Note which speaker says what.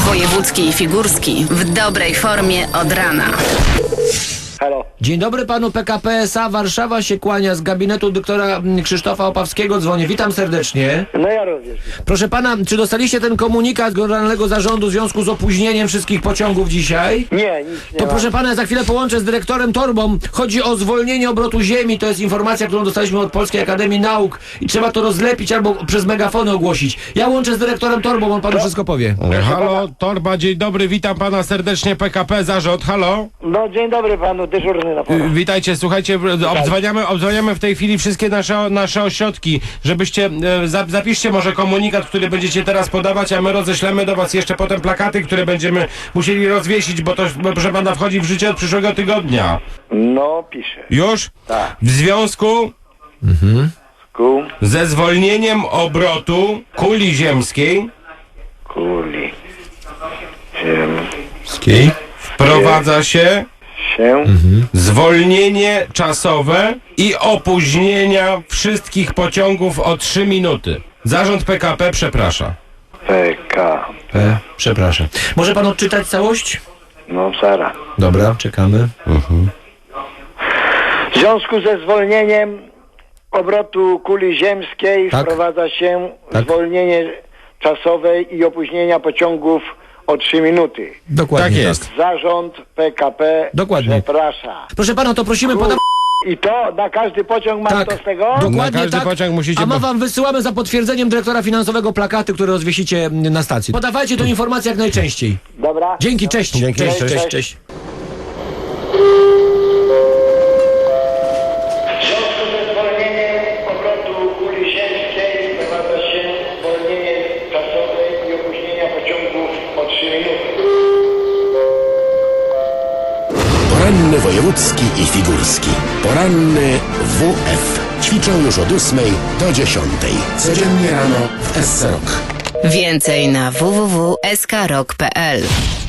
Speaker 1: Wojewódzki i Figurski w dobrej formie od rana.
Speaker 2: Halo.
Speaker 3: Dzień dobry panu, PKP SA Warszawa się kłania, z gabinetu doktora Krzysztofa Opawskiego dzwonię. Witam serdecznie.
Speaker 2: No ja również.
Speaker 3: Proszę pana, czy dostaliście ten komunikat Generalnego Zarządu w związku z opóźnieniem wszystkich pociągów dzisiaj?
Speaker 2: Nie, nic nie
Speaker 3: To
Speaker 2: ma.
Speaker 3: proszę pana, za chwilę połączę z dyrektorem Torbą. Chodzi o zwolnienie obrotu ziemi. To jest informacja, którą dostaliśmy od Polskiej Akademii Nauk i trzeba to rozlepić albo przez megafony ogłosić. Ja łączę z dyrektorem Torbą, on panu wszystko powie.
Speaker 4: Halo, Torba, dzień dobry, witam pana serdecznie, PKP Zarząd, halo.
Speaker 2: No dzień dobry panu, dyżurny na pora.
Speaker 4: Witajcie, słuchajcie, obdzwaniamy w tej chwili wszystkie nasze ośrodki, żebyście, zapiszcie może komunikat, który będziecie teraz podawać, a my roześlemy do was jeszcze potem plakaty, które będziemy musieli rozwiesić, bo to, proszę pana, wchodzi w życie od przyszłego tygodnia.
Speaker 2: No piszę.
Speaker 4: Już?
Speaker 2: Tak.
Speaker 4: W związku ze zwolnieniem obrotu kuli ziemskiej
Speaker 2: Kuli.
Speaker 4: wprowadza się
Speaker 2: Się.
Speaker 4: zwolnienie czasowe i opóźnienia wszystkich pociągów o 3 minuty. Zarząd PKP przeprasza.
Speaker 2: PK.
Speaker 3: Przepraszam. Może pan odczytać całość?
Speaker 2: No Sara.
Speaker 3: Dobra, czekamy.
Speaker 2: W związku ze zwolnieniem obrotu kuli ziemskiej
Speaker 3: Tak.
Speaker 2: wprowadza się
Speaker 3: Tak.
Speaker 2: zwolnienie czasowe i opóźnienia pociągów o 3 minuty.
Speaker 3: Dokładnie
Speaker 4: Tak jest.
Speaker 2: Zarząd PKP
Speaker 3: Dokładnie.
Speaker 2: przeprasza.
Speaker 3: Proszę pana, to prosimy podawać.
Speaker 2: I to na każdy pociąg mam
Speaker 3: Tak.
Speaker 2: to z tego?
Speaker 3: Dokładnie
Speaker 4: Na każdy
Speaker 3: tak.
Speaker 4: pociąg musicie-
Speaker 3: A my wam wysyłamy za potwierdzeniem dyrektora finansowego plakaty, które rozwiesicie na stacji. Podawajcie tę informację jak najczęściej.
Speaker 2: Dobra.
Speaker 3: Dzięki, cześć.
Speaker 4: Dzięki,
Speaker 3: Cześć,
Speaker 4: cześć.
Speaker 3: cześć, cześć.
Speaker 2: W związku ze zwolnieniem obrotu kuli ziemskiej wprowadza się zwolnienie czasowe i opóźnienia pociągów o 3 minuty.
Speaker 5: Poranny wojewódzki i figurski. Poranny WF. Ćwiczą już od 8 do 10. Codziennie rano w SC Rock.
Speaker 1: Więcej na www.skrok.pl.